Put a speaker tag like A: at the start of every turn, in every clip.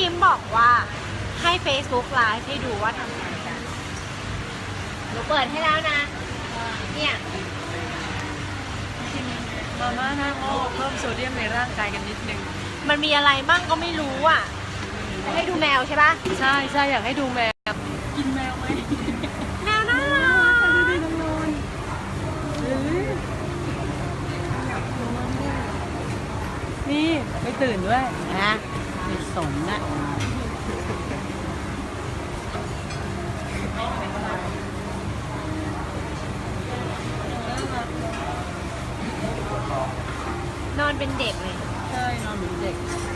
A: คิมบอกว่าให้ Facebook Live ให้ดูว่าทำงานกันหนูเปิดให้แล้วนะเนี่ย
B: มาม่าหน้าหม้อเพิ่มโซเดียมในร่างกายกันนิดนึง
A: มันมีอะไรบ้างก็ไม่รู้อ่ะให้ดูแมวใช่ปะ
B: ใช่ใช่อยากให้ดูแมวกินแมวไหม
A: แมวน่ารัก
B: ดูดิน้องนอนนี่ไม่ตื่นด้วยนะไม่สนนะ
A: นอนเป็นเด็กเลย
B: ใช่นอนเป็นเด็ก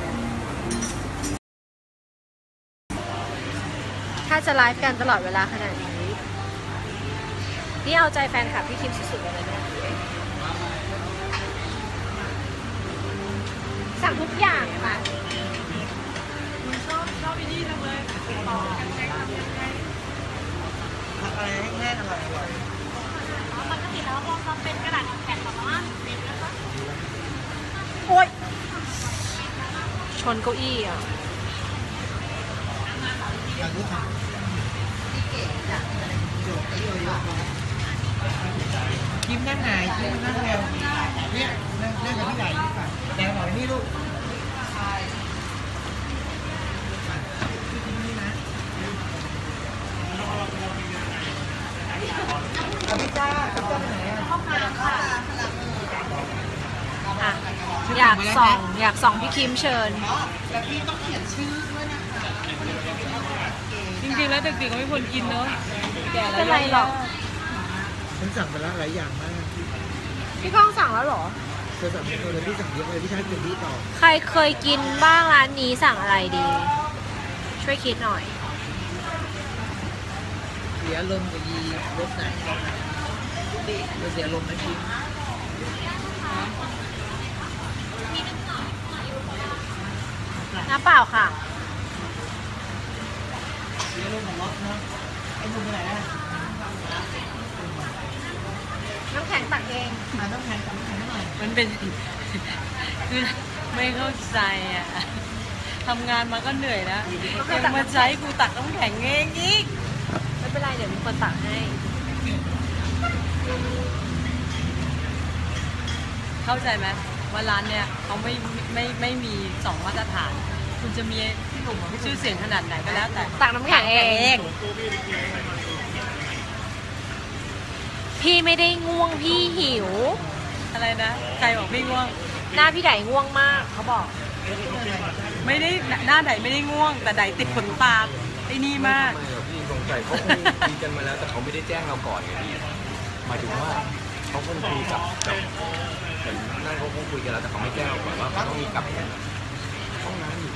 A: ถ้าจะไลฟ์กันตลอดเวลาขนาดนี้นี่เอาใจแฟนคลับพี่คิมสุดๆเลยนะสั่งทุกอย่างค่ะ
B: ชอบที่นี่จังเลย
C: อะไรแห้งๆอร่อย
A: ปกติแล้วพอทำเป็นกระดาษแข็งแบบว่าโอ๊ยชนเก้าอี้อ่ะ
C: ยิ้มนั่งไหนยิ้มนั่งเร็วเนี่ยนั่งกับพี่ใหญ่ดีกว่าแดงหน่อยนี่ลูกพี่จ้าพี่จ้าไปไหนอ่ะ
A: อยากส่องพี่คิมเชิญ
C: แต่พี่ต้องเขียนชื่อด้วยนะคะ
B: จริงๆแล้วเด็กๆก็ไม่ควรกินเนาะแก่แล้ว
A: เป็นไรหรอก
C: ฉันสั่งไปแล้วหลายอย่างมาก
A: พี่ก้องสั่งแล้วหรอ
C: เธอสั่งไปเลยพี่สั่งเยอะเลยพี่ชายกินดีต่อ
A: ใครเคยกินบ้างร้านนี้สั่งอะไรดีช่วยคิดหน่อย
C: เสียลมกับยีรสไหนเสียลมไหมพี่
A: น้ำเปล่าค่ะ
C: เสียลมของรถนะไอ้บุญไปไหนอ่ะ
A: น้ำแข็งตักเอง
C: น้ำแข็งหน่อย
B: มันเป็นคือไม่เข้าใจอ่ะทำงานมาก็เหนื่อยแล้วยังมาใช้กูตักน้ำแข็งเองอีก
A: ไม่เป็นไรเดี๋ยวมีคนตักให้
B: เข้าใจไหมว่าร้านเนี่ยเขาไม่มี2 มาตรฐานคุณจะมีชื่อเสียงขนาดไหนก็แล้วแต่
A: ตักน้ำแข็งเองพี่ไม่ได้ง่วงพี่หิว
B: อะไรนะใครบอกพี่ง่วง
A: หน้าพี่ไดง่วงมากเขาบอก
B: ไม่ได้หน้าไดไม่ได้ง่วงแต่ไดติดขนตาไอ้นี่มาก
D: ไม่หรอกพี่สงสัยเขาคงคุยกันมาแล้วแต่เขาไม่ได้แจ้งเราก่อนไงพี่หมายถึงว่าเขาคงคุยกับเหมือนนั่นเขาคงคุยกันแล้วแต่เขาไม่แจ้งเราก่อนว่าเขาต้องมีกลับห้องน้ำอยู่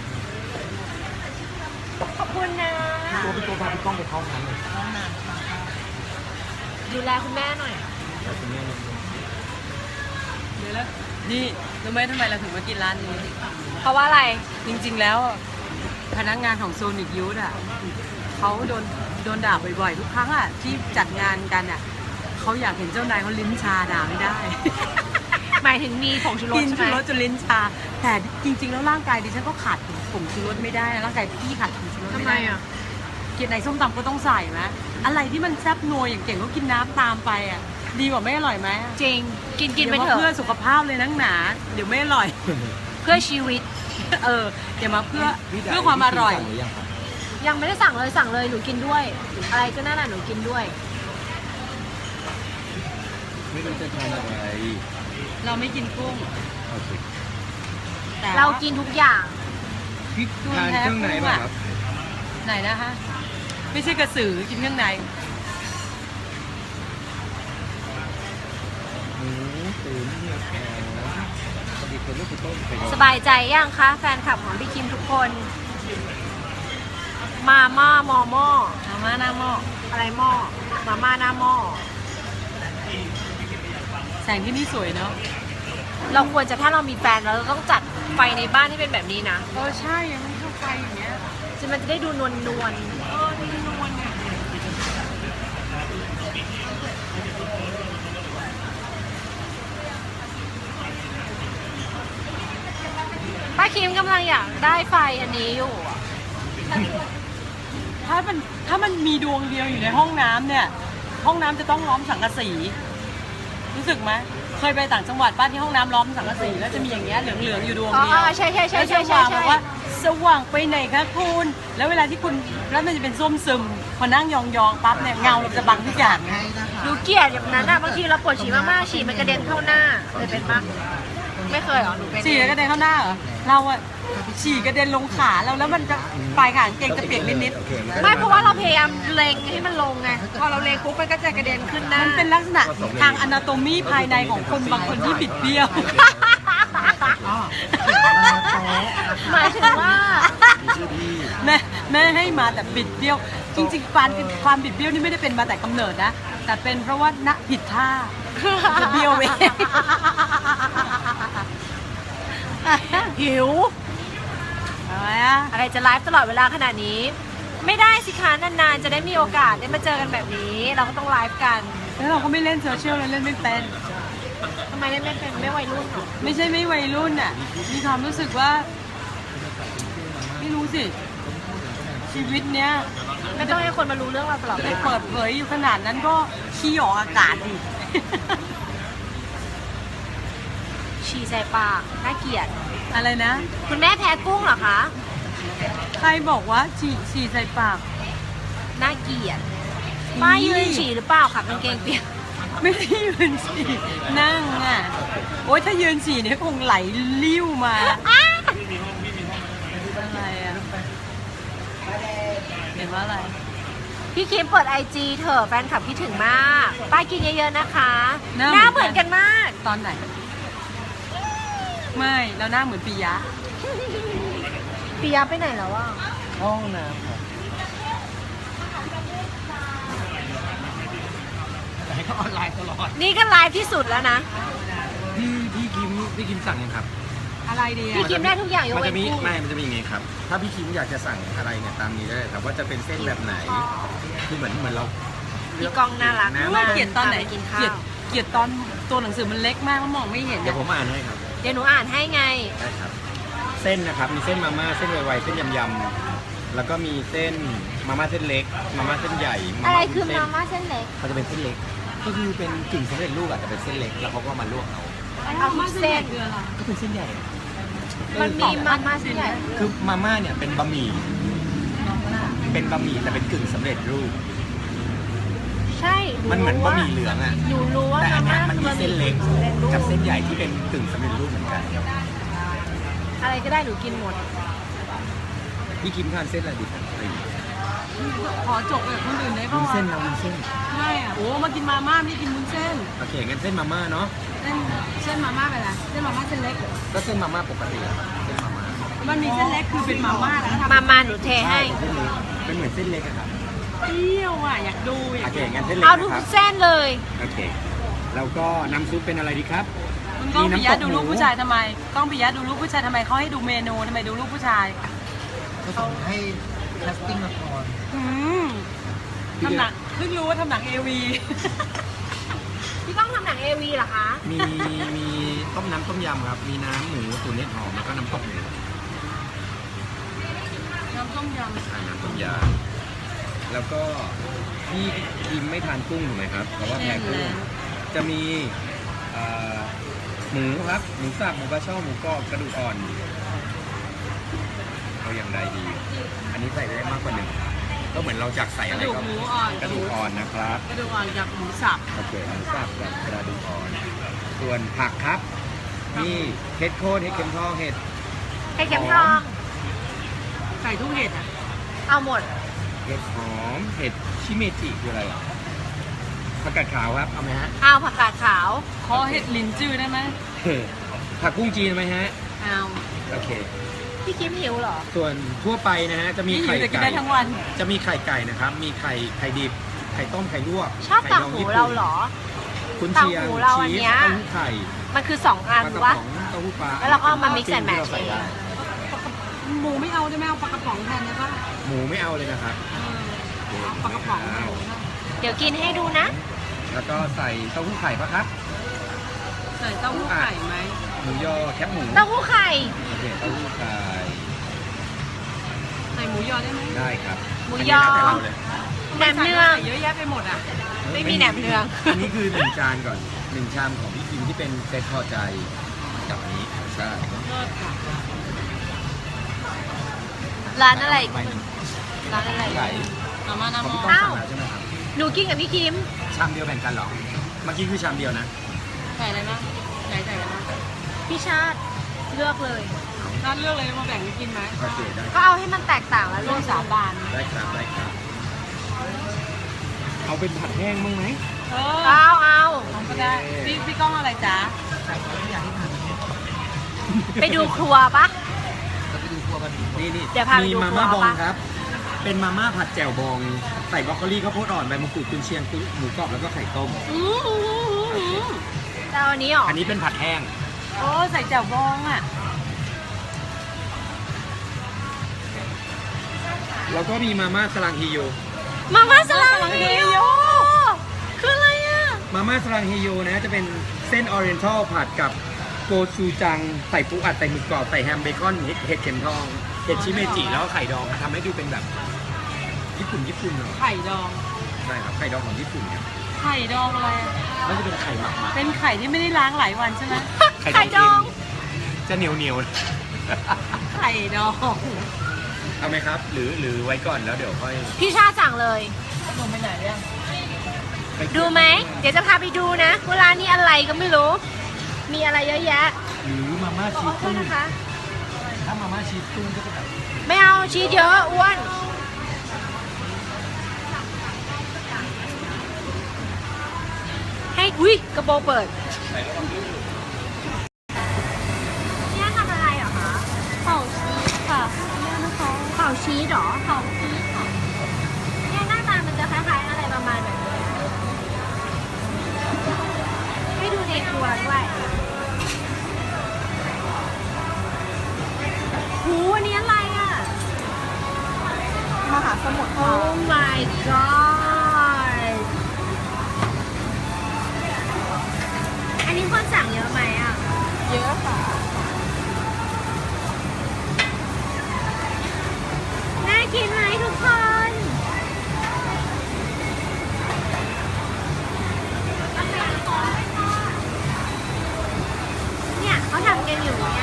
A: ขอบคุณนะ
D: พี่ตัวพาพี่ก้องไปเข้าห้องน้ำเลย
A: ดูแลคุณแม่หน่อย
D: แต่คุณแม่
B: เดี๋ยวแล้วนี่รู้ไหมทำไมเราถึงมากินร้านนี้
A: เพราะว่าอะไร
B: จริงๆแล้วพนักงานของโซนิกยูทอ่ะเขาโดนด่าบ่อยๆทุกครั้งอ่ะที่จัดงานกันอ่ะเขาอยากเห็นเจ้านายเขาลิ้นชาด่าไม่ได้
A: หมายถึงมีผงชูรสใช่ไหม
B: กินชูรสจนลิ้นชาแต่จริงๆแล้วร่างกายดิฉันก็ขาดผงชูรสไม่ได้นะร่างกายพี่ขาดผงชูรสไม่ได้
A: ทำไมอ่ะ
B: กินในส้มตำก็ต้องใส่ไหมอะไรที่มันแซ่บนัวอย่างเก่งก็กินน้ำตามไปอ่ะดีกว่าไม่อร่อยไหม
A: จริงกินไปเถอะ
B: เพื่อสุขภาพเลยนักหนาเดี๋ยวไม่อร่อย
A: เพื่อชีวิต
B: เดี๋ยวมาเพื่อความอร่อย
A: ยังไม่ได้สั่งเลยหนูกินด้วยอะไรก็น่าหนูกินด้วย
D: ไม่รู้จะทานอะไร
B: เราไม่กินกุ้ง
A: เรากินทุกอย่าง
D: พี่ทานเครื่องไหนบ้างครับ
B: ไหนนะคะไม่ใช่กระสือกินเครื่องใน
A: สบายใจยังคะแฟนคลับของพี่คิมทุกคนมาม่ามอหม้อ
B: มาม่าหน้าหม้อ
A: อะไรหม้อมาม่าหน้าหม้อ
B: แสงที่นี่สวยเนาะ
A: เราควรจะถ้าเรามีแฟนเราต้องจัดไฟในบ้านที่เป็นแบบนี้นะ
B: ใช่ยังไม่เข้าไฟอย่างเงี้ย
A: มันจะได้ดูนวล
B: นวลเนี่ย
A: ป้าคิมกำลังอยากได้ไฟอันนี้อยู่
B: ถ้ามันมีดวงเดียวอยู่ในห้องน้ำเนี่ย ห้องน้ำจะต้องล้อมสังกะสีรู้สึกไหมเคยไปต่างจังหวัดป้าที่ห้องน้ำล้อมสังกะสีแล้วจะมีอย่างเงี้ยเหลืองๆอยู่ดวง
A: อ๋อ
B: เดียว
A: ใช่ใช่ใช่
B: แล้ว
A: ใช่
B: ส
A: ใช่
B: ว่าง
A: ใช่
B: บอกว่าสว่างไปไหนคะคุณแล้วเวลาที่คุณแล้วมันจะเป็นส้วมซึมพอนั่งยองๆปั๊บเนี่ยเงาเราจะบังทุกอย่าง
C: ให้นะคะ
A: หนูเกลียดอย่างนั้นอะบางทีเราปวดฉี่มากๆฉี่มันกระเด็นเข้าหน้าเคยเป็นปะไม่เคยเหรอหนูเป็น
B: ฉี่กระเด็นเข้าหน้าเหรอเราอะฉี่กระเด็นลงขาเราแล้วมันจะปลายขางเกงจะเปียกนิด
D: โอเค
A: ไม่เพราะว่าเราพยายามเล็งให้มันลงไงพอเราเล็งปุ๊บมันก็จะกระเด็นขึ้นห
B: ๆ
A: น้า
B: มันเป็นลักษณะทางอนาโตมีภายในของคนบางคนที่บิดเบี้ยว
C: อ๋อโต๊ะ
A: หมายถึงว่า
B: แม่ให้มาแต่บิดเบี้ยว จริงๆความบิดเบี้ยวนี่ไม่ได้เป็นมาแต่กำเนิดนะ แต่เป็นเพราะว่าณผิดท่าจะเบี้ยวเอง
A: หิว
B: อะไรอะ
A: อะไรจะไลฟ์ตลอดเวลาขนาดนี้ ไม่ได้สิคะนานๆจะได้มีโอกาสได้มาเจอกันแบบนี้ เราก็ต้องไลฟ์กัน
B: แล้วเราก็ไม่เล่นโซเชียลเราเล่นไม่เป็น
A: ทำไมเล่นไม่เป็นไม่วัยรุ่นเหรอ
B: ไม่ใช่ไม่วัยรุ่นอ่ะ มีความรู้สึกว่า ไม่รู้สิ ชีวิตเนี้ย
A: ไม่ต้องให้คนมารู้เรื่องเราตลอด
B: ไป
A: เลย
B: เปิดเผยอยู่ขนาดนั้นก็ขี้ออกอากาศดิ
A: ฉี่ใส่ปากน่าเกลียด
B: อะไรนะ
A: คุณแม่แพ้กุ้งเหรอคะ
B: ใครบอกว่าฉี่ใส่ปาก
A: น่าเกลียดป้ายืนฉี่หรือเปล่าคะกางเกงเปียก
B: ไม่ได้ยืนฉี่นั่งอ่ะ โอ๊ยถ้ายืนฉี่เนี่ยคงไหลลิ้วมาอะไรอ่ะเห็นว่าอะไร
A: พี่คิมเปิดไอจีเถอะแฟนคลับคิดถึงมาก ป้ากินเยอะๆนะคะ
B: หน้า
A: หน้า
B: เห
A: เห
B: มื
A: มื
B: อ
A: อน น
B: กั
A: กัน นมาก
B: ตอนไหน ไม่แล้วหน้าเหมือนปิยะ
A: ปียะไปไหนแล้วอ่ะ
C: ห้องน้ำครับแต่ให้เขาออนไลน์ตลอด
A: นี่ก็ไลฟ์ที่สุดแล้วนะ
D: พี่คิมสั่งยังครับ
B: อะไรดี
A: พี่
B: อ่ะ
A: คิมได้ทุกอย่างยก
D: มัน
A: เว้
D: จะ
A: น
D: มี
A: กุ้ง
D: ไม่มันจะมีอย่างงี้ครับ ถ้าพี่คิมอยากจะสั่งอะไรเนี่ยตามนี้ได้เลยครับว่าจะเป็นเส้นแบบไหน คือเหมือนเรา
A: พี่กองน่ารัก
D: น่า
B: ว่าเกลียดตอนไหน
A: พาปกินข้า
B: เกลียด
A: ว
B: เกลียดตอนตัวหนังสือมันเล็กมากแล้วมองไม่เห็น
D: เดี๋ยว
B: อะ
D: ผมอ่านให้ครับ
A: เดี๋ยวหนูอ่านให้ไง
D: ได้ครับ เส้นนะครับ มีเส้นมาม่า เส้นไวๆ เส้นยำๆ แล้วก็มีเส้นมาม่าเส้นเล็ก มาม่าเส้นใหญ่
A: อะไรคือ
D: วุ้นเส้
A: มาน ม่าเส้นเล็ก
D: มันจะเป็นเส้นเล็ก ก็คือเป็นกึ่งสำเร็จรูปอะแต่เป็นเส้นเล็ก แล้วเขาก็มาลวกเอา
A: เอาทุกเส้น
B: คืออะไร
D: ก็เป็นเส้นใหญ่
A: มันมีมาม่าเส้นใหญ่
D: คือมาม่าเนี่ยเป็นบะหมี่ เป็นบะหมี่แต่เป็นกึ่งสำเร็จรูป
A: ใช่
D: มันเหมือนบะหมี่เหลืองอะ
A: หนูรู้ว่า
D: แต่อั
A: มาน
D: เนี้
A: ม่าย
D: มัน
A: คือ
D: มี
A: บะห
D: เส้
A: มี่
D: นเล็ก
A: สำเร็จรูป
D: กับเส้นใหญ่ที่เป็นกึ่งสำเร็จรูปเหมือนกัน
A: อะไรก็ได้หนูกินหมด
D: พี่คิมทานเส้นอะไรดีครับ
B: ขอจบกับคนอื่นได้
D: วุ้
B: ป่ะ
D: น
B: วะ
D: เส้นนะวุ้นเส้น
B: ใช่อ่ะโอ้มากินมาม่าไม่ได้กินวุ้นเส้น
D: โอเคงั้นเส้นมาม่าเนาะ
B: เส้นมาม่าไปละเส้นมาม่าเส้นเล็ก
D: ก็เส้นมาม่าปกติอะเส้นมาม่า
B: มันมีเส้นเล็กคือเป็นมาม่าแล้วทำ
A: มาหนูเทให้
D: เส้นเล็กเป็นเหมือนเส้นเล็กอะครับ
B: เปรี้ยวอ่ะอยากดูอยา
D: โอก เค
B: ดู
D: งั้นเส้นเล็ก
A: เอาทุก
D: นะครับ
A: เส้นเลย
D: โอเคแล้วก็น้ำซุปเป็นอะไรดีครับ
B: มึงกล้องปิยะ
D: มีน้ำตก
B: ดูลูก
D: หมู
B: ผู้ชายทำไมกล้องปิยะดูลูกผู้ชายทำไมเขาให้ดูเมนูทำไมดูลูกผู้ชาย
C: เขาส่งให้แคสติ้งละคร
B: อืมทำหนังเพิ่งรู้ว่าทำหนังเอวี
A: พี่ต้องทำหนังเอวีเหรอคะ
D: มีต้มน้ำต้มยำครับ มีน้ำหมูตุ๋นเห็ดหอมแล้วก็น้ำตกหมู
B: น้ำต้มย
D: น้ำต้มยำแล้วก็พี่คิมไม่ทานกุ้งถูกไหมครับเพราะว่าแพ้กุ้งจะมีหมูครับหมูสับหมูกระช่อหมูกรอบกระดูกอ่อนเอาอย่างใดดี อันนี้ใส่ได้มากกว่าหนึ่งก็เหมือนเราอยากใส่
B: ำก
D: อะ
B: ระ
D: ไร
B: ดูก
D: ก็
B: หมูอ่อน
D: กระดูกอ่อนนะครับ
B: กระดูกอ่อนจากหมูสับ
D: โอเคหมูสับกับกระดูกอ่อน ส่วนผักครับนี่เห็ดโคนเห็ดเข็มทองเห็ด
A: ให้เข็มทอง
B: ใส่ทุกเห็ดอ่ะ
A: เอาหมด
D: เห็ดหอมเห็ดชิเมจิคืออะไรอ่ะผักกาดขาวครับเอาไหมฮะ
A: เอาผักกาดขาว
B: ขอเห็ดลินจื้อได้ไหม
D: ผักกุ้งจีนไหมฮะ
B: เอา
D: โอเค
A: พี่คิมหิวเหรอ
D: ส่วนทั่วไปนะฮะจะมี
B: นี่หิ
D: ไข่
B: วแต่กิน
D: ไก่
B: ได้ทั้งวัน
D: จะมีไข่ไก่นะครับ มีไข่ดิบไข่ต้มไข่ลวก
A: ชอบ
D: ไข่
A: ต่าง
D: ดอง
A: หู
D: ญี่ปุ่น
A: เราเหรอ
D: คุณเชียง
A: ต่างหูเราอัน
D: ชีส
A: เนี้ย
D: เต้าหู้ไข่
A: มันคือ2อัน
D: ปลากระ
A: วะ
D: ป๋องเต้าหู้ปลา
A: แล้วเราก็เอามา mix and
D: ที่
A: match
D: เราใส่ได้
B: หมูไม่เอาได้ไหมเอาปลากระป๋องแทนได้ปะ
D: หมูไม่เอาเลยนะครับ
B: เอาปลากระป๋องแทน
A: เดี๋ยวกินให้ดูนะ
D: แล้วก็ใส่เต้าหู้ไข่ปะครับ
B: ใส่เต้าหู้ไข่ไหม
D: หมูยอแคบหมู
A: เต้าหู้ไข่
D: โอเคเต้าหู้ไข่
B: อส่หมูยอได้ไหม
D: ได้ครับ
A: หมูยอ
D: นนี้แล้วแต่เราเลย
A: แหนมเนือง
B: เยอะแยะไปหมดอ่ะ
A: ไม่มีแหนมเนือง
D: อันนี้คือ1จานก่อน1ชามของพี่คิมที่เป็นเซตพอใจกับอันนี้ใช่
B: เลิศค่ะ
A: ร้านอะไร
D: ไปหนึ่ง
A: ร้านอะไร
D: ไก่
B: เอามา
D: ข
B: น้ำ
D: อง
B: มอ
D: พี่ก้องสั่งแล้วใช่ไหมครับ
A: หนูกินกับพี่คิม
D: ชามเดียวแบ่งกันเหรอเมื่อกี้คือชามเดียวนะ
B: ใส่อะไรบ้างใส่อะไรบ้าง
A: พี่ชาติเลือกเลย
B: นัดเลือกเลยมาแบ่งกันกินไหม
D: โอเคได้
A: ก็เอาให้มันแตกต่างแล้ว
B: ร่วมสาบาน
D: ได้ครับได้ครับ เอาเป็นผัดแห้งบ้างไหม
B: เอ
A: เอา
B: ก็ได้พี่ก้องอะไรจ๊ะ
A: ไปดูครัวปะ
D: เราไปดูครัวกันนี่
A: เดี๋ยวพาไป
D: มี
A: ดู
D: มาม่า
A: ครั
D: บ
A: ว
D: อง
A: ปะ
D: ครับ เป็นมาม่าผัดแจ่วบอง ใส่บรอกโคลีข้าวโพดอ่อนใบมะกรูดกุนเชียงหมูกรอบแล้วก็ไข่ต้ม
A: จะเอาอันนี้หรอ
D: อันนี้เป็นผัดแห้ง
B: โอ้ใส่แจ่วบองอ่ะ
D: แล้วก็มีมาม่าสลังฮิโย
A: มาม่าสลังเฮโยคืออะไรอ่ะ
D: มาม่าสลังฮิโยนะจะเป็นเส้นออเรียนทัลผัดกับโกชูจัง ใส่ปูอัดใส่หมึกกรอบใส่แฮมเบคอนเห็ดเข็มทอง เห็ดชิเมจิแล้วก็ไข่ดองทำให้ดูเป็นแบบญี่ปุ่นหน่อย
B: ไข่ดอง
D: ใช่ครับไข่ดองของญี่ปุ่นครับ
B: ไข่ดองอะไรอะ
D: ก็จะเป็นไข่หมักมา
B: เป็นไข่ที่ไม่ได้ล้างหลายวันใช่ไหม
A: ไข่ดอง
D: จะเหนียว
B: ไข่ดอง
D: เอาไหมครับ หรือไว้ก่อนแล้วเดี๋ยวค่อย
A: พี่ชาติสั่งเลย
B: ลงไปไหนยัง
A: ดูไหม เดี๋ยวจะพาไปดูนะว่าร้านนี้อะไรก็ไม่รู้ มีอะไรเยอะแยะ
D: หรือมาม่า
A: ข
D: ชี
A: อ
D: ส
A: โทษ
D: ตุ้ง
A: นะคะ
D: ถ้ามาม่าชีสตุ้งก็จะแบบ
A: ไม่เอาชีสเยอะอ้วน ให้อุ้ยกระโปรงเปิดเนี่ยทำอะไรเหรอคะเป่าชีสค่ะเนี่ยนะคะเป่าชีสเหรอเป่าชีสค่ะเนี่ยหน้าตามันจะคล้ายๆอะไรประมาณแบบนี้ให้ดูในครัวด้วยหูอันนี้อะไรอ่ะ
B: มหาสมุทร
A: Oh my god อันนี้คนสั่งเยอะไหมอ่ะ
B: เยอะค่ะ
A: น่ากินไหมทุกคน เนี่ยเขาทำกันอยู่เนี่ย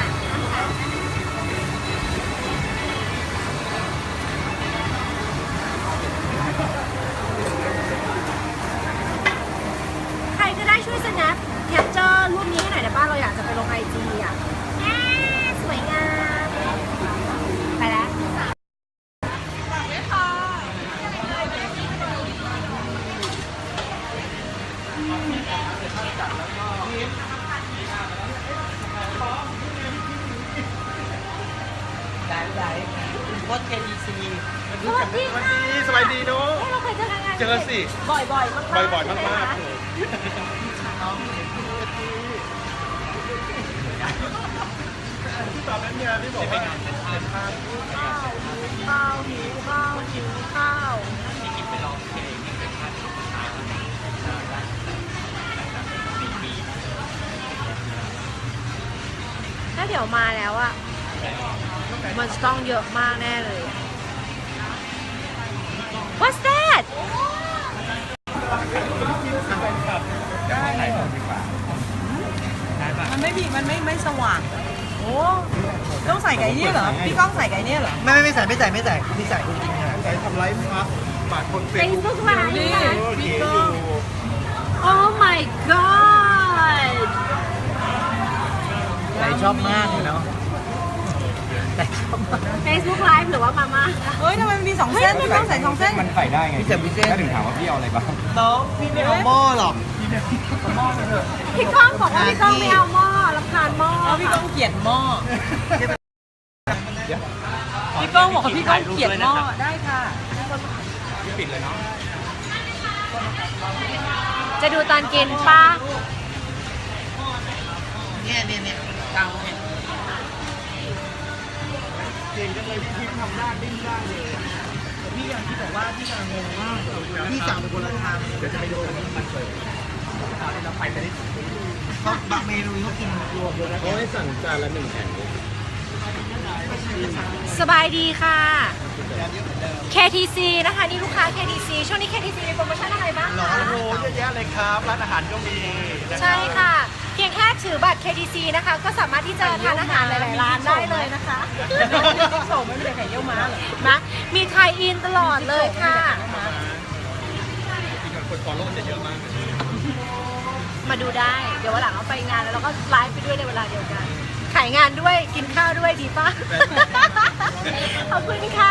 A: ใครก็ได้ช่วย snap capture รูปนี้ให้หน่อยได้ป่ะเราอยากจะไปลง IG อ่ะสวยงาม ไปแล้ว
B: วอต KEC
A: สวัสดีค่ะ
C: สบายดีเนาะ
A: เฮ้ยเราเคยเจอกันงาน
C: เจอสิ
A: บ่อยๆมากๆ
C: บ่อยๆมากๆ
A: ใช่ไหคะ
C: ที่ตอบนั้นเนี่ยที่บอกว่าเป็นภาพ
A: ข้าวหิวข้าวหิวข้าวถ้าเดี๋ยวมาแล้วอะมันจะต้องเยอะมากแน่เลย What's that
B: มันไม่สว่าง โอ้ต้องใส่ไก่เนี่ยเหรอ พี่ก้องใส่ไก่เนี่ยเหรอ
C: ไม่ใส่พี่ใส่จริงๆใส่ทำไลฟ์ครับบาทคนเฟซบุ๊ก
A: Facebook ไลฟ์
B: นี่
A: ค่ะ
B: พี่ก้อง
A: Oh my god
C: ใจชอบมากเลยเนาะใจชอบมาก
A: Facebook ไลฟ์หรือว่ามาม่า
B: เฮ้ยทำไมมันมี2เส้นพี่ก้องใส่2เส้น
D: มันใส่ได้ไง
C: พี่เจ็บพี่เส้น
D: ถ้าถึงถามว่าพี่เอาอะไรบ้าง
C: น้องพี่ไม่เอาหม้อหรอก
A: พี่ก้องบอกว่าพี่ก้องไม่เอาหม้อรำคาญหม้อ
B: เพราะพี่ก้องเกลียดหม้อ พี่ก้องบอกว่าพี่ก้องเกลียดหม้อ ได้ค่ะ
D: พี่ปิดเลยเนาะ
A: จะดูตอนกินป้า
C: เนี่ยกลางเนี่ยเก่งจังเลยพี่ทำหน้าดิ้นได้เลยแต่พี่ยังที่บอกว่าพี่ยังงงมากพี่สั่งเป็นคนละทางเดี๋ยวจะไปดูมันเปิดเราไปได้เขาบางเมนูเขากินรวมเลยนะ
D: เขาให้สั่งจานละ1แผ่นเลย
A: สบายดีค่ะ
D: คุณจะ
A: KTC นะคะนี่ลูกค้า KTC ช่วงนี้ KTC มีโปรโมชั่นอะไรบ้าง
C: หรอ
A: คะ
C: โอ้โหเยอะแยะเลยครับ ร้านอาหารก็มีนะครับ
A: ใช่ค่ะ เพียงแค่ถือบัตร KTC นะคะ ก็สามารถที่จะทานอาหารหลายๆร้านได้เลยนะคะ
B: โฉมไม่มีไข่เยี่ยวม้าเหรอ
A: นะมีไทยอินตลอดเลยค่ะ
D: คนฟอลโล่จะเยอะมาก
A: มาดูได้ เดี๋ยววันหลังเราไปงานแล้วเราก็ไลฟ์ไปด้วยในเวลาเดียวกัน ขายงานด้วยกินข้าวด้วยดีป่ะ ขอบคุณค่ะ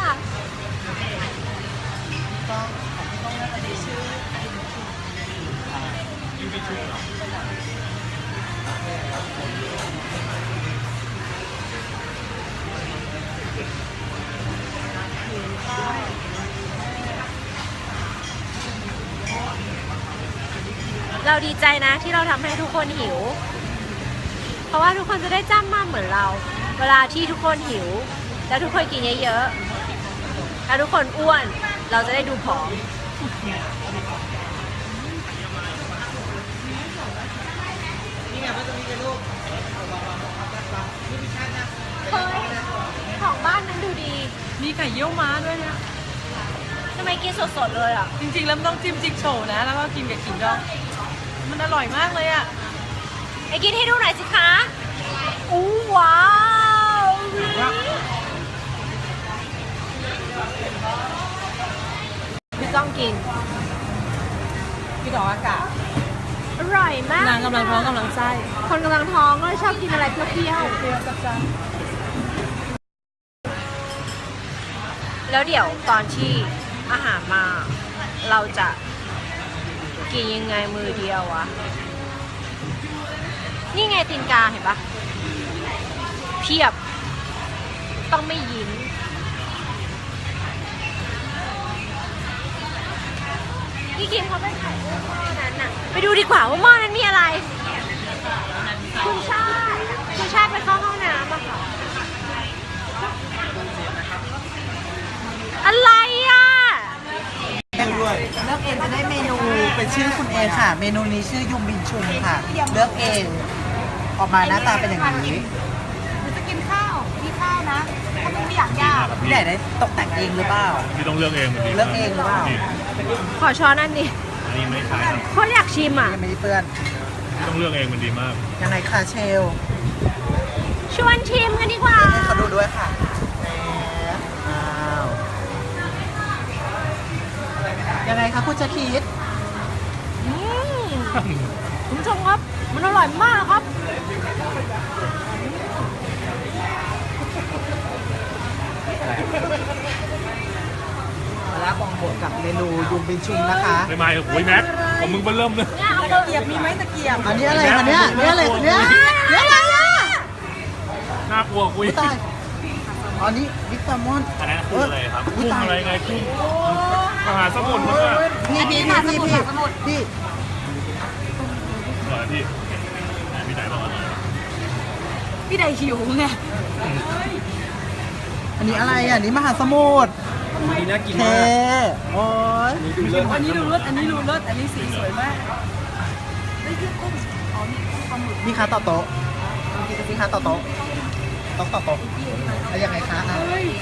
A: เราดีใจนะที่เราทำให้ทุกคนหิว เพราะว่าทุกคนจะได้จ้ำมากเหมือนเรา เวลาที่ทุกคนหิว แล้วทุกคนกินเยอะๆแล้วทุกคนอ้วน เราจะได้ดูผอม
C: นี่ไงว่าตรงนี้เป็นรูป
A: เฮ้ยของบ้านนั้นดูดี
B: มีไข่เยี่ยวม้าด้วยนะ
A: ทำไมกินสดๆเลยอ่ะ
B: จริงๆแล้วมันต้องจิ้มจิ๊กโฉวนะ แล้วก็กินกับขิงดอง มันอร่อยมากเลยอ่ะ
A: ไอ้กินให้ดูหน่อยสิคะอู้ว้าวพี่ต้องกิน
B: พี่ดอกอากาศ
A: อร่อยมาก
B: นางกำลังท้องกำลังไส้
A: คนกำลังท้องก็ชอบกินอะไรเปรี้ยว
B: เปรี้ยวจัดจ้าน
A: ๆแล้วเดี๋ยวตอนที่อาหารมา เราจะกินยังไงมือเดียววะ นี่ไงตีนกาเห็นปะเพียบ ต้องไม่ยิ้ม พี่คิมเขาไปถ่ายรูปหม้อนั้นน่ะ ไปดูดีกว่าว่าหม้อนั้นมีอะไร คุณชาติไปเข้าห้องน้ำอะค่ะ อะไรอ่ะ
C: แห้งด้วย
E: เลือกเองจะได้เมนูเป็นชื่อคุณเองค่ะ เมนูนี้ชื่อยุมบินชุมค่ะ เลือกเองออกมาหน้าตาเป็นอย่างนี้
A: จะกินข้าว มีข้าวนะถ้ามันไม่อยากยาก
E: พี่ไหนได้ตกแต่งเองหรือเปล่า
F: พี่ต้องเลือกเองมันดี
E: เลือกเองหรือเปล่า
F: นี่
A: ขอช้อนอันนี้
F: อันนี้ไม่ขายครับ
A: เพราะอยากชิมอ่ะ
E: ยังไม่ได้เปื้อน
F: พี่ต้องเลือกเองมันดีมาก
E: ยังไงคะเชล
A: ชวนชิมกันดีกว่า
E: ให้เขาดูด้วยค่ะอ้าวยังไงคะคุณจะคิด
A: อืมคุณผู้ชมครับ มันอร่อยมากครับ
E: มาละบองบวกกับเมนูยุมบินชุมนะคะ
F: ไม่ไม่โอ้ยแม็กของมึงเบิ่มเริ่มเลย
B: ตะเกียบมีไหมตะเกียบ
E: อันนี้อะไรคะเนี่ยนี่อะไรคะเนี่ยนี่อะไรอ่ะ
F: น่ากลัวคุย
E: อุ๊ยตายอ๋อนี่บิ๊กแซลมอน
F: อันนั้นคืออะไรครับ
E: อุ๊ย
F: กุ้ง
E: ตาย
F: อะไรไงกุ้งมหาสมุทรมั้งอะ
E: พี่พี่
F: เหรอพี่ไหนพี่ไหนบอกว่า
B: พี่ใดหิวไง
E: อันนี้อะไรอ่ะอันนี้มหาสมุทร
D: นี่น่ากิน
E: เท
D: มาก
E: โอ้ย
F: นี่ดูเลิศ
B: อันนี้ดูรสอันนี้ดูรสอันนี้สีสวยมากนี่คือกุ้งอ๋อนี่กุ้งปลาหมึก
E: มีค้าต่อโต๊ะมีค้าต่อโต๊ะต้องต่อโต๊ะแล้วยังไงคะอ่ะ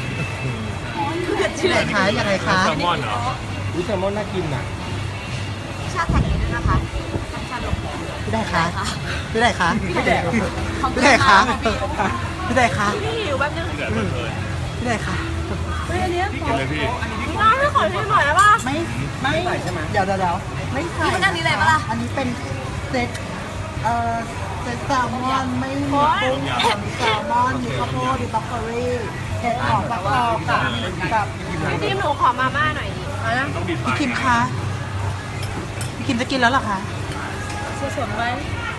E: ที่ไหนคะยังไงคะ
F: แซลมอนเหรอ
D: อุ้ยแซลมอนน่ากินอ่ะ
A: ชาไทยด้วยนะคะ
E: พี่ได้คะพี่ได้คะพี่ได้พี่ได้คะพี่ได้คะ
A: พี่หิวแป๊บนึง
F: เดือดเลย
E: พี่ได้คะ
B: เฮ้ยอันเนี้ย
F: กินเลยพี่
A: น้องไม่ขอชิมหน่อยได้ป่ะ
E: ไม่ใส่ใช่ไหมเดี๋ยวไม่ใส่
A: นี่มันอันนี้อะไรปะล่ะ
E: อันนี้เป็นเซตเซตแซลมอนไม่มีกุ้งมีแซลมอนมีข้าวโพดมีบล็อกโคลี่เห็ดหอมฟักทองกับ
A: พี่ทีมหนูขอมาม่าหน่อยดิ
F: ต้องดิด
E: พี่คิมคะพี่คิมจะกินแล้วเหรอคะ
B: สดๆไว้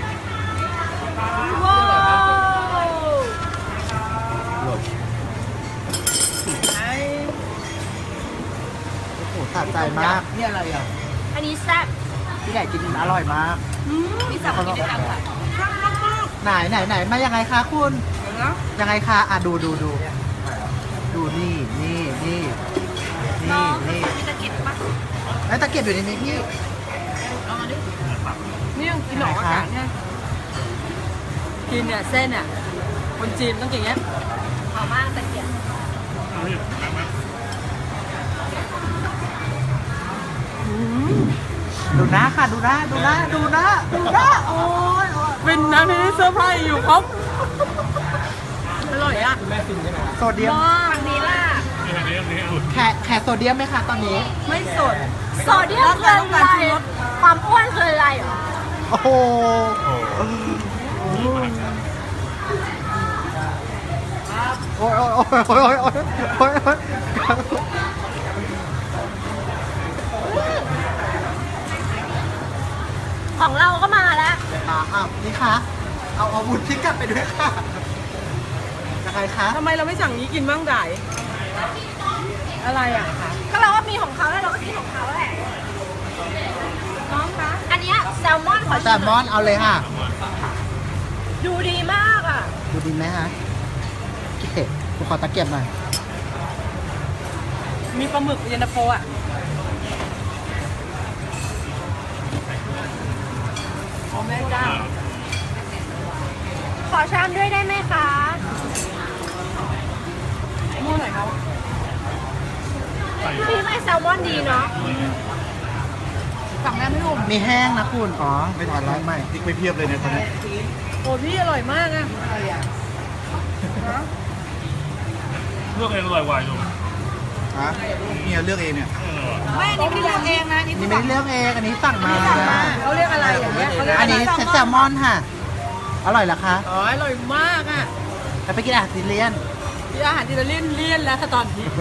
A: ว้าว
E: โอ้โหสะใจมากนี่อะไรอ่ะ
A: อันนี้แซ่บ
E: พี่ใหญ่กินอร่อยมาก
A: พี่สาวกินได้ค่ะ
E: ไหนมายังไงคะคุณยังไงคะอ่ะดูนี่นี่
A: มีตะเกียบปะ
E: แล้วตะเกียบอยู่ในนี้พี่
B: นี่ยังกินหนอกอากาศเนี่ยกินเนี่ยเส้นอ่ะคนจีนต้องอย่างเงี้ย
A: ขอมากตะเกียบ
F: เอาพี่แม็ก
E: ดูหน้าค่ะดูหน้าดูหน้าดูหน้าดูหน้าโอ้ย
B: เป็นน้ำที่เสื้อผ้าอยู่ครบอร่อยอ่ะ
E: โซเดียม
A: ฝั่งนี้ล่ะ
F: นี่อันนี้อันนี้อุ่น
E: แขกโซเดียมไหมคะตอนนี้
B: ไม่สด
A: โซเดียมคืออะไรความอ้วนคืออะไรเหรอ
E: โอ้โห
F: โอ้โห
E: โอ้ยโอ้ยโอ้ยโอ้ยโอ้ยโอ้ยโอ้ย
A: ของเราก็มาแล้ว
E: อ้าวนี่ค่ะเอาอาวุธที่กลับไปด้วยค่ะยังไงคะ
B: ทำไมเราไม่สั่งนี้กินบ้างได้อะไรอ่ะ
A: ก็เราก็มีของเขาแล้วเราก็กินของเขาแหละน้องคะอันเนี้ยแซลมอนขอ
E: แซ
A: ชิ
E: ลมอนเอาเลยค่ะ
A: ดูดีมากอ่ะ
E: ดูดีไหมฮะโอเคผมขอตะเกียบหน่อย
B: มีปลาหมึกเย็นตาโฟอ่ะ อ๋อแม่เจ้า
A: ขอชามด้วยได้ไหมคะ
B: มั่วหน่อยเขา
A: พี่ไม่แซลมอนดีเนาะ
B: สั่งแม่ไม่รู้
E: มีแห้งนะคุณอ๋อไม่ถอนร้อยใหม่ติ๊กไปเพียบเลยเนี่ยตอนนี้
B: โอ้พี่อร่อยมากอ่ะ
F: เลือกเองอร่อยกว่าอยู่
C: ฮะเนี่ยเลือกเองเนี่ย
B: ไม่อันนี้ไม่ได้เลือกเองนะ
E: นี่ไม่ได้เลือกเองอันนี้สั่งมา
B: เขาเรียกอะไรอย่างเงี้ยเขาเรียก
E: อันนี้แซลมอนค่ะ อร่อยเหรอคะ
B: อ๋ออร่อยมากอ่ะ
E: แล้วไปกินอาหารอิตาเลียน
B: ที่อาหารอิตาเลียนเลี่ยนแล้วค่ะตอนนี้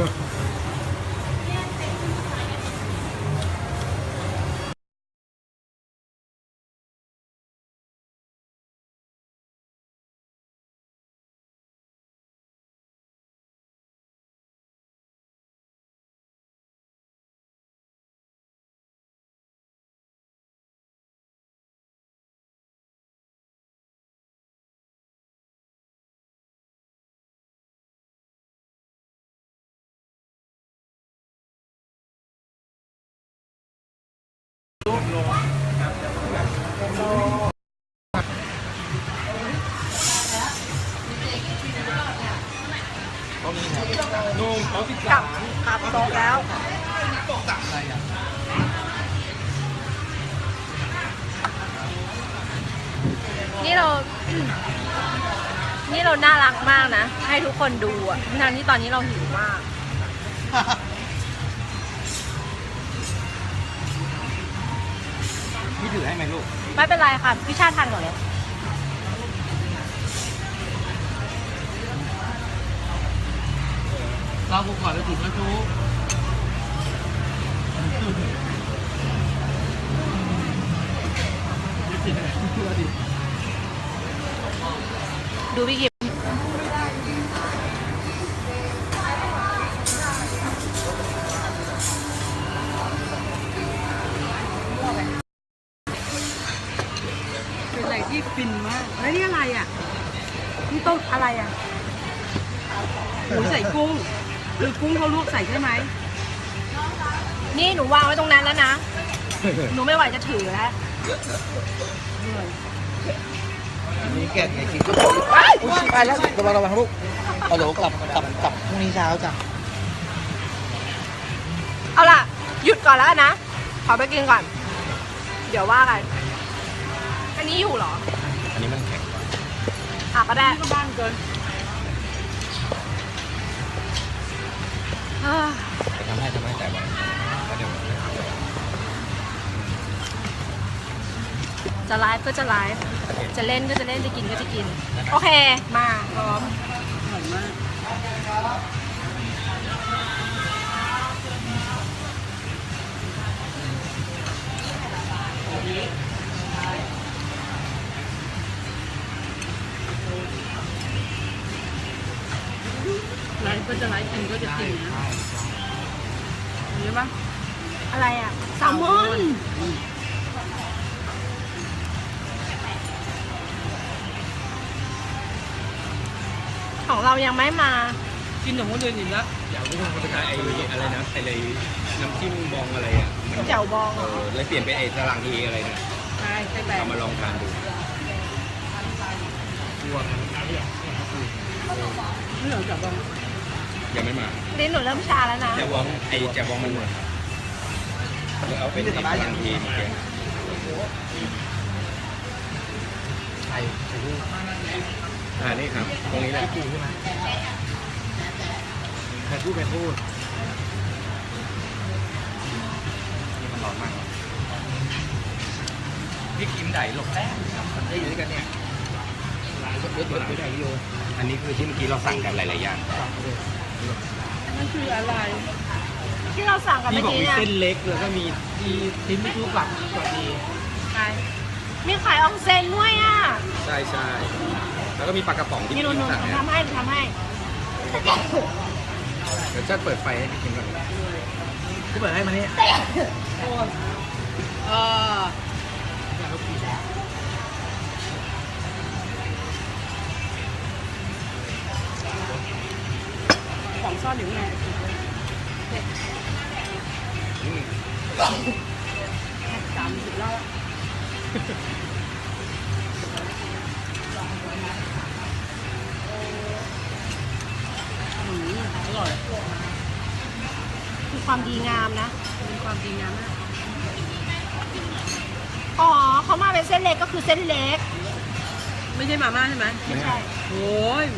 A: ขับโต๊ะแล้ว นี่เรา นี่เราน่ารักมากนะ ให้ทุกคนดูอ่ะทั้งที่ตอนนี้เราหิวมาก
C: พี่ถือให้ไหมลูก
A: ไม่เป็นไรค่ะ พี่ชาติทานก่อนเลย
C: เรากูก่อนแล้วถูกแล้วทุก
A: ดูพี่กิม
B: เป็นอะไรที่ฟินมากแล้วนี่อะไรอ่ะ นี่ต้มอะไรอ่ะหมูใส่กุ้งหรือกุ้งเขาลวกใส่ใช่ไหม
A: นี่หนูวางไว้ตรงนั้นแล้วนะ หนูไม่ไหวจะถือแล้ว
C: อันนี้แกะไงกินก็อุ้ยไปแล้วระวังลูกเอาโหลกลับพรุ่งนี้เช้าจ้ะ
A: เอาล่ะ หยุดก่อนแล้วนะ ขอไปกินก่อน เดี๋ยวว่ากัน อันนี้อยู่เหรอ
D: อันนี้มันแข็ง
A: อ่ะก็ได้
B: ก็บ้างเกิน
A: เอ้อ
D: จะทำให้แต่ว่าแล้วเดี๋ยว
A: จะไลฟ์ก็จะไลฟ์ จะเล่นก็จะเล่น จะกินก็จะกิน โอเค มาพร้อม
B: อร่อยมากไลฟ์ก็จะไลฟ์กินก็จะกินนะเห็นปะ
A: อะไรอ่ะแซลมอน ของเรายังไม่มา
B: กินของคนอื่นอีกแล้ว
D: อยากรู้ว่าเขาจะไอ้อะไรนะไอ้เลยน้ำจิ้มบองอะไรอ่ะมัน
A: แจ่วบองเหรอ
D: แล้วเปลี่ยนเป็นไอ้สลังทีอะไรนะ
B: ใช่ใช่แบบ
D: เอามาลองทานดู
B: ไม่เหลือจับบอง
D: ยังไม่มา
A: ลิ้นหนูเริ่มชาแล้วนะ
D: แจวองแจวองมันหมดแล้วเอาเป็นที่พลังทีเมื่อกี้
C: ไข่ลูก
D: นี่ครับ ตรงนี้แหละ
C: ปูใช่ไหมไข่พูด
D: นี่มันร้อนมากพี่กิมไดหลบแป้งได้อยู่ด้วยกันเนี่ยเบิร์ดได้อยู่อันนี้คือที่เมื่อกี้เราสั่งกันหลายๆอย่าง
B: นั่นคืออะไร
A: ที่เราสั่งกัน
C: พี่
A: เมื่อบ
C: อ
A: กี้
C: กมี
A: เนี่ย
C: เส้นเล็กแล้วก็มีที่ทิ้งไม่รู้กลับดี
B: ใช่
A: มีขายอองเซนด้วยอ่ะ
D: ใช่ใช่แล้วก็มีปลากระป๋องที่
A: นี่
D: พี่
A: หนู
D: กิมสั่งเนี่ย
A: ทำให้
D: เดี๋ยวจะเปิดไฟให้พี่กิมก่อน
C: ก็เปิดให้มานี่
B: เออของซ่อนอยู่ไง30 รอบอร่อย
A: คือความดีงามนะ
B: เป็นความดีงามมาก
A: อ๋อเขามาเป็นเส้นเล็กก็คือเส้นเล็ก
B: ไม่ใช่มาม่าใช่ไหม
A: ไม่ใช่
B: โอ้ย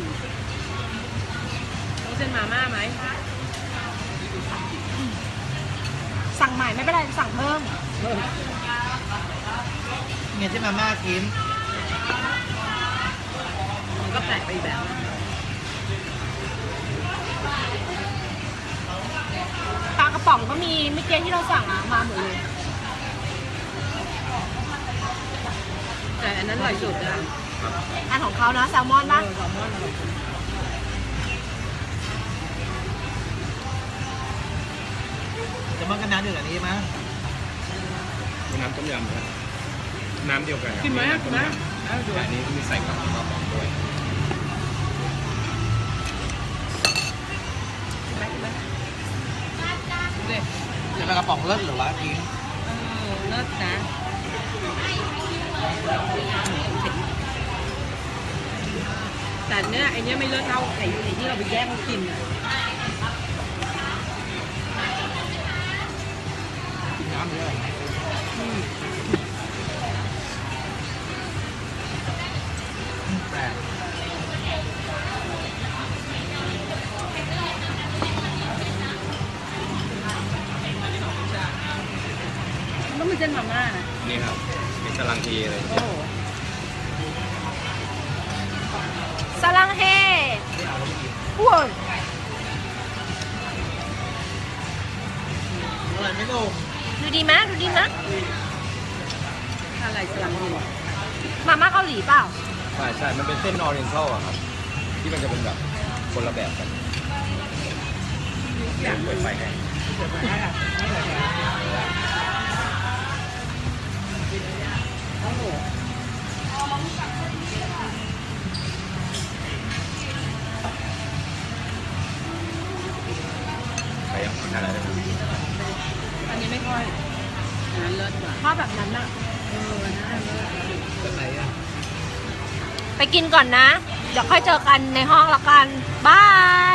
B: ต้องเส้นมาม่าไหม
A: สั่งใหม่ไม่เป็นไรสั่งเพิ่ม
C: เงี้ยที่มาม่ากิน
B: มันก็แปลกไปอีกแบบ
A: ปลากระป๋องก็มีเมื่อกี้ที่เราสั่งอ่ะมาหมดเลย
B: แต่อันนั้นอร่อยสุดนะ
A: อันของเขานะแซลมอนปะ
B: แซลมอนอร่อยสุด
C: จะมันก็น้ำเดือดอันนี้มั้ง
D: น้ำต้มยำครับน้ำเดียวกัน
B: กินไหม
D: น้ำ
B: กิ
D: ต้
B: น
D: ม
B: ไหม
D: ยำแต่อันนี้มีใส่กับปลากระป๋องด้วย
B: กินไหมเด็ด
C: จะเป็นกระป๋องเลิศหรือวะกิน
B: เลิศนะ แต่เนี้ยไอเนี้ยไม่เลิศเท่าไอ้ที่เราไปแย่งเขากินอ่ะ
C: น้ำเยอะแปลก
B: มันต้องเป็นเส้นมาม่านะ
D: นี่ครับเป็นกำลังทีเลย
B: โอ้โห
A: สลังเฮอ้วน
C: อะไรไม่ลง
A: ดูดีไหมดูดีไหม
B: อะไรสลังดี
A: มาม่าเกาหลีเปล่า
D: ใช่ใช่มันเป็นเส้นออเรนทัลอะครับ ที่มันจะเป็นแบบคนละแบบกันอยากเปิดไฟให้ใครยังทานอะไรได้ไหม
B: อันนี้ไม่ค่อยอันนั้นเลิศกว่า
A: ชอบแบบนั้นอะ
B: อันนั้นเลิศ
C: แบบไหนอ่ะ
A: ไปกินก่อนนะ เดี๋ยวค่อยเจอกันในห้องละกันบาย